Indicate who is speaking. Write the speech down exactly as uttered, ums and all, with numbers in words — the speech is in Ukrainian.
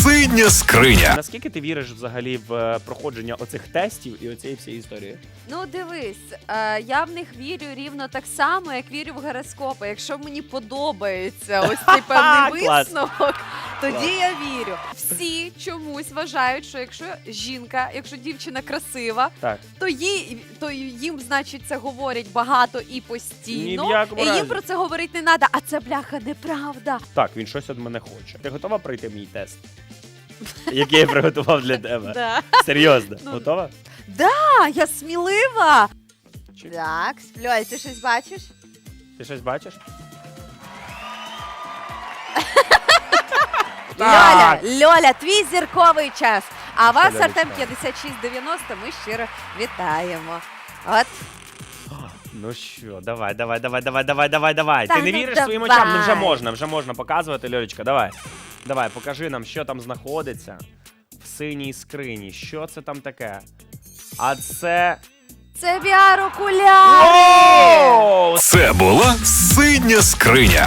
Speaker 1: Синя скриня.
Speaker 2: Наскільки ти віриш взагалі в проходження оцих тестів і оцієї всієї історії?
Speaker 3: Ну, дивись, е, я в них вірю рівно так само, як вірю в гороскопи. Якщо мені подобається ось цей певний
Speaker 2: Клас.
Speaker 3: висновок, тоді
Speaker 2: Клас.
Speaker 3: я вірю. Всі чомусь вважають, що якщо жінка, якщо дівчина красива,
Speaker 2: Так.
Speaker 3: то, їй, то їм, значить, це говорять багато і
Speaker 2: Ні в
Speaker 3: постійно.
Speaker 2: якому
Speaker 3: І їм
Speaker 2: разі.
Speaker 3: про це говорити не треба. А це, бляха, неправда.
Speaker 2: Так, він щось від мене хоче. Ти готова пройти мій тест? Який я приготував для тебе?
Speaker 3: Да.
Speaker 2: Серйозно,
Speaker 3: Ну,
Speaker 2: готова?
Speaker 3: А, я смілива.
Speaker 2: Чи-
Speaker 3: Так, Льоль, ти щось бачиш?
Speaker 2: Ти щось бачиш?
Speaker 3: Льоля,
Speaker 2: Так.
Speaker 3: Льоля, твій зірковий час. А вас,
Speaker 2: Льолечка.
Speaker 3: Артем п'ятдесят шість дев'яносто, ми щиро вітаємо. От.
Speaker 2: Ну що, давай, давай, давай, давай, давай, давай, давай.
Speaker 3: Та
Speaker 2: Ти не
Speaker 3: ну
Speaker 2: віриш
Speaker 3: давай.
Speaker 2: своїм очам? Ну вже можна, вже можна показувати, Льолечка, давай. Давай, покажи нам, що там знаходиться в синій скрині. Що це там таке? А це...
Speaker 3: Це ві ар-окуляри!
Speaker 2: Оу!
Speaker 1: Це була синя скриня.